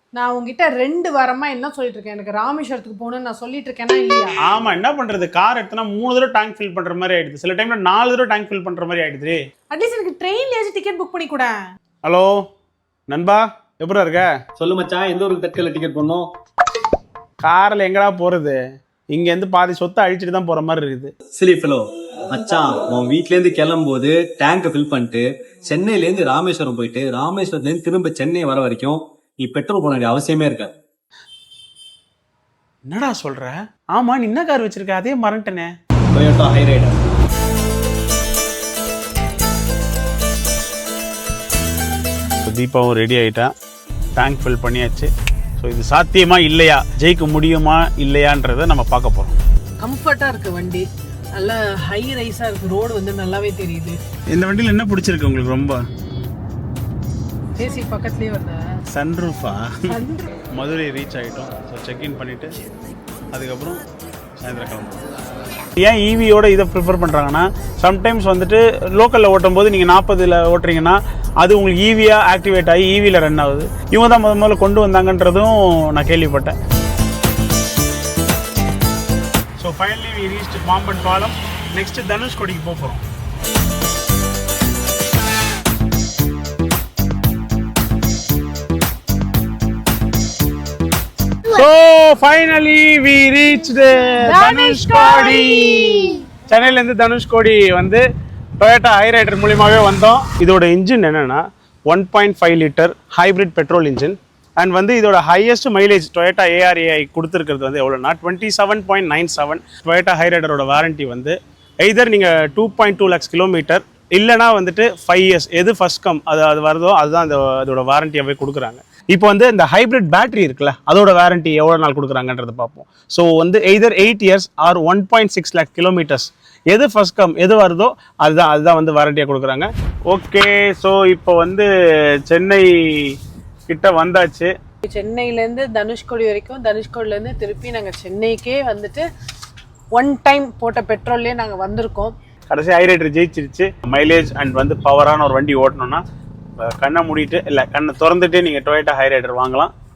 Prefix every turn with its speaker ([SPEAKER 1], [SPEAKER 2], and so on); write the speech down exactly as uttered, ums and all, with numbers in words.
[SPEAKER 1] நான் உங்ககிட்ட ரெண்டு வாரமா என்ன சொல்லிட்டு இருக்கேன், எனக்கு ராமேஸ்வரத்துக்கு போகணும்னு நான் சொல்லிட்டு இருக்கேனா இல்லையா?
[SPEAKER 2] ஆமா, என்ன பண்றது, கார் எடுத்தனா மூணு தடவை டேங்க் ஃபில் பண்ற மாதிரி ஆயிடுது, சில டைம்ல நாலு தடவை டேங்க் ஃபில் பண்ற மாதிரி ஆயிடுது.
[SPEAKER 1] அட்லீஸ்ட் எனக்கு ட்ரெயின்லயாச்சும் டிக்கெட் புக் பண்ணி கூட.
[SPEAKER 2] ஹலோ நண்பா, எப்படா இருக்க?
[SPEAKER 3] சொல்லு மச்சான், எந்த ஒரு தட்கல்ல டிக்கெட் பண்ணோம்?
[SPEAKER 2] கார்ல எங்கடா போறது, இங்க இருந்து பாதி சொத்தை அழிச்சிட்டு தான் போற மாதிரி இருக்குது.
[SPEAKER 3] சிலி ஃபெலோ மச்சான், உன் வீட்ல இருந்து கிளம்பும் போது டேங்கை ஃபில் பண்ணிட்டு சென்னையில இருந்து ராமேஸ்வரம் போயிட்டு ராமேஸ்வரத்துல இருந்து திரும்ப சென்னை வர வரைக்கும் நீ பெட்ரோல் போட வேண்டிய அவசியமே இருக்காது.
[SPEAKER 2] என்னடா சொல்ற? ஆமா, நீ என்ன கார் வச்சிருக்க? அதே மறந்துட்டனே.
[SPEAKER 3] Toyota Hyryder.
[SPEAKER 2] தீபாவும் ரெடி ஆயிட்டா, டேங்க் ஃபில் பண்ணியாச்சு. ஸோ இது சாத்தியமா இல்லையா, ஜெயிக்க முடியுமா இல்லையான்றதை நம்ம பார்க்க போறோம்.
[SPEAKER 1] கம்ஃபர்ட்டா இருக்கு வண்டி, நல்ல ஹை ரைஸா இருக்கு, ரோடு வந்து நல்லாவே தெரியுது.
[SPEAKER 2] இந்த வண்டியில் என்ன பிடிச்சிருக்கு உங்களுக்கு ரொம்ப?
[SPEAKER 1] ஏசி பக்கத்துலயே வருது.
[SPEAKER 2] சன்ரூஃபா. மதுரை ரீச் ஆகிட்டோம். ஸோ செக்இன் பண்ணிவிட்டு அதுக்கப்புறம் சாயந்தரம் கிளம்புறோம். ஏன் ஈவியோட இதை ப்ரிஃபர் பண்ணுறாங்கன்னா, சம்டைம்ஸ் வந்துட்டு லோக்கலில் ஓட்டும் போது நீங்கள் நாற்பதில் ஓட்டுறீங்கன்னா அது உங்களுக்கு ஈவியாக ஆக்டிவேட் ஆகி ஈவியில் ரன் ஆகுது. இவங்க தான் முதல் முதல்ல கொண்டு வந்தாங்கன்றதும் நான் கேள்விப்பட்டேன். So finally we reached Pamban பாலம். நெக்ஸ்ட் தனுஷ்கோடிக்கு போக போகிறோம். So finally we reached Dhanushkodi. சென்னையில இருந்து தனுஷ்கோடி வந்து டொயோட்டா ஹைரைடர் மூலியமாவே வந்தோம். இதோட இன்ஜின் என்னன்னா one point five litre hybrid petrol engine. And வந்து இதோட ஹையஸ்ட் மைலேஜ் டொயோட்டா ஏஆர்ஏஐ கொடுத்துருக்கிறது வந்து எவ்வளோனா twenty seven point nine seven. Toyota ஹைரைடரோட வாரண்டி வந்து எய்தர் நீங்கள் two point two lakhs kilometre இல்லைனா வந்துட்டு ஃபைவ் இயர்ஸ் எது ஃபர்ஸ்ட் கம் அது அது வருதோ அதுதான் அந்த அதோட வாரண்டியாகவே கொடுக்குறாங்க. இப்போ வந்து இந்த ஹைப்ரிட் பேட்டரி இருக்குல்ல, அதோட வாரண்டி எவ்வளோ நாள் கொடுக்குறாங்கன்றத பார்ப்போம். ஸோ வந்து either eight years or one point six lakh kilometres எது ஃபர்ஸ்ட் கம் எது வருதோ அதுதான் அதுதான் வந்து வாரண்டியாக கொடுக்குறாங்க. ஓகே, ஸோ இப்போ வந்து சென்னை கிட்ட வந்தாச்சு.
[SPEAKER 1] சென்னையிலேருந்து தனுஷ்கோடி வரைக்கும், தனுஷ்கோடிலேருந்து திருப்பி நாங்கள் சென்னைக்கே வந்துட்டு ஒன் டைம் போட்ட பெட்ரோல்லே நாங்கள் வந்திருக்கோம்.
[SPEAKER 2] கடைசி ஹைரைடர் ஜெயிச்சிருச்சு. மைலேஜ் அண்ட் வந்து பவரான ஒரு வண்டி ஓட்டணும்னா கண்ணை மூடிட்டு இல்லை கண்ணை திறந்துட்டு நீங்கள் டொயோட்டா ஹைரைடர் வாங்கலாம்.